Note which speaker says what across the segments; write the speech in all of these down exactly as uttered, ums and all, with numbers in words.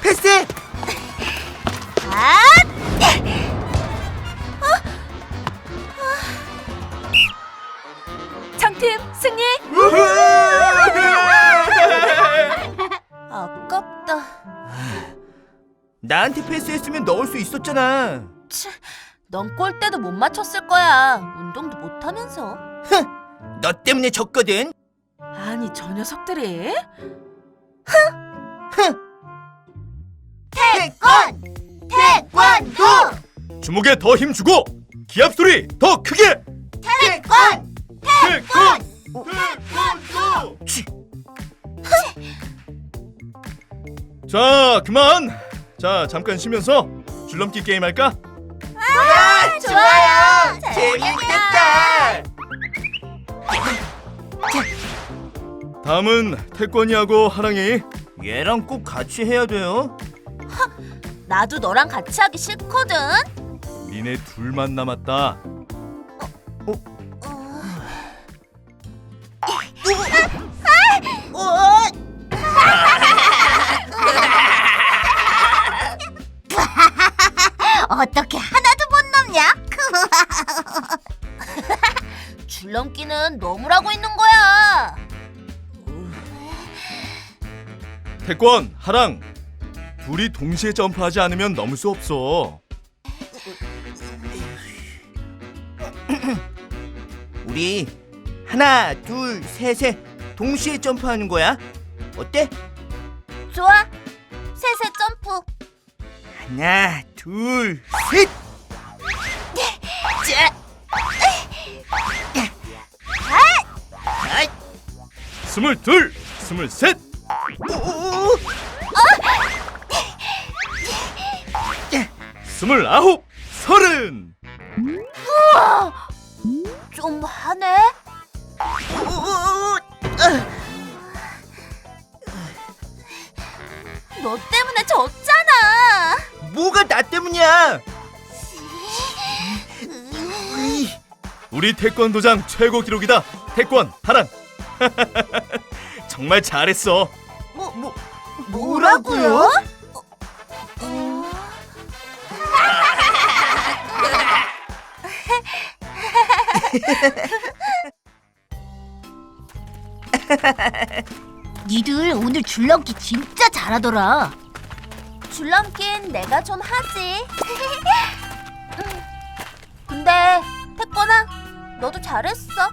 Speaker 1: 패스!
Speaker 2: 아!
Speaker 3: 청팀 승리! 아깝다.
Speaker 1: 나한테 패스했으면 넣을 수 있었잖아.
Speaker 3: 치, 넌 골대도 못 맞췄을 거야. 운동도 못하면서.
Speaker 1: 너 때문에 졌거든.
Speaker 3: 아니, 저 녀석들이?
Speaker 2: 태권! 태권도!
Speaker 4: 주먹에 더 힘주고 기합 소리 더 크게.
Speaker 2: 태권!
Speaker 4: 태권!
Speaker 1: 태권도!
Speaker 4: 자, 그만. 자, 잠깐 쉬면서 줄넘기 게임 할까?
Speaker 1: 아,
Speaker 2: 좋아요!
Speaker 1: 재밌겠다.
Speaker 4: 다음은 태권이하고 하랑이.
Speaker 1: 얘랑 꼭 같이 해야 돼요.
Speaker 3: 나도 너랑 같이 하기 싫거든.
Speaker 4: 니네 둘만 남았다.
Speaker 2: 어떻게 하나도 못 넘냐?
Speaker 3: 줄넘기는 너무라고 있는 거야.
Speaker 4: 태권, 하랑. 둘이 동시에 점프하지 않으면 넘을 수 없어.
Speaker 1: 우리 하나, 둘, 셋에 동시에 점프하는 거야. 어때?
Speaker 3: 좋아. 셋의 점프.
Speaker 1: 하나, 둘, 셋!
Speaker 4: 스물둘, 스물셋. 스물아홉, 서른.
Speaker 3: 좀 하네. 너 때문에 졌잖아.
Speaker 1: 뭐가 나 때문이야?
Speaker 4: 우리 태권도장 최고 기록이다. 태권, 하랑. 정말 잘했어.
Speaker 1: 뭐, 뭐,
Speaker 3: 뭐라고요?
Speaker 2: 니들 오늘 줄넘기 진짜 잘하더라.
Speaker 3: 줄넘기는 내가 좀 하지. 음, 근데 태권아, 너도 잘했어.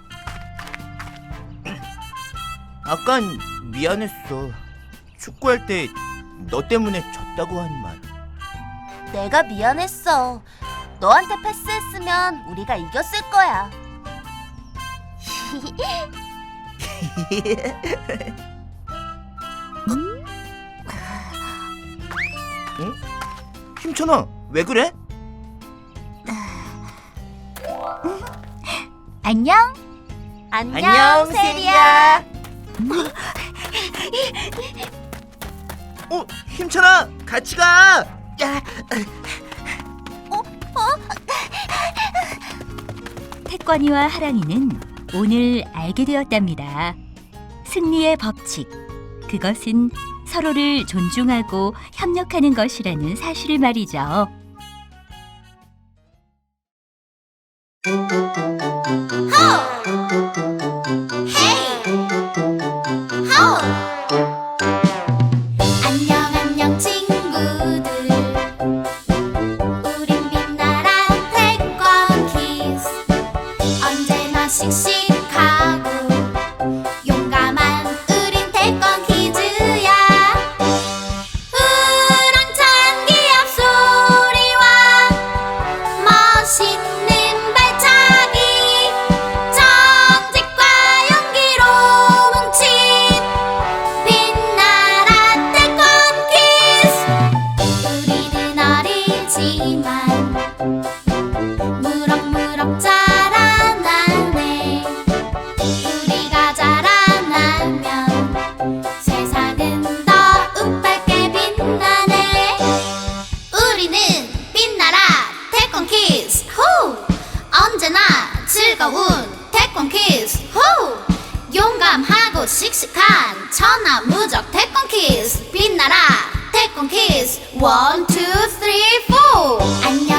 Speaker 1: 아깐 미안했어. 축구할 때 너 때문에 졌다고 한 말.
Speaker 3: 내가 미안했어. 너한테 패스했으면 우리가 이겼을 거야.
Speaker 1: 응? 힘찬아, 왜 그래?
Speaker 2: 안녕.
Speaker 3: 안녕, 세리야.
Speaker 1: 어, 힘찬아, 같이 가. 야,
Speaker 5: 태권이와 하랑이는 오늘 알게 되었답니다. 승리의 법칙, 그것은 서로를 존중하고 협력하는 것이라는 사실을 말이죠.
Speaker 2: 안녕 안녕 친구들. 우린 빛나란 태권키즈. 언제나 씩씩하고 용감한 우린 태권키즈야. 우렁찬 기합 소리와 멋있는 발차기. 정직과 용기로 뭉친 빛나라 태권키즈. One, two, three, four. 안녕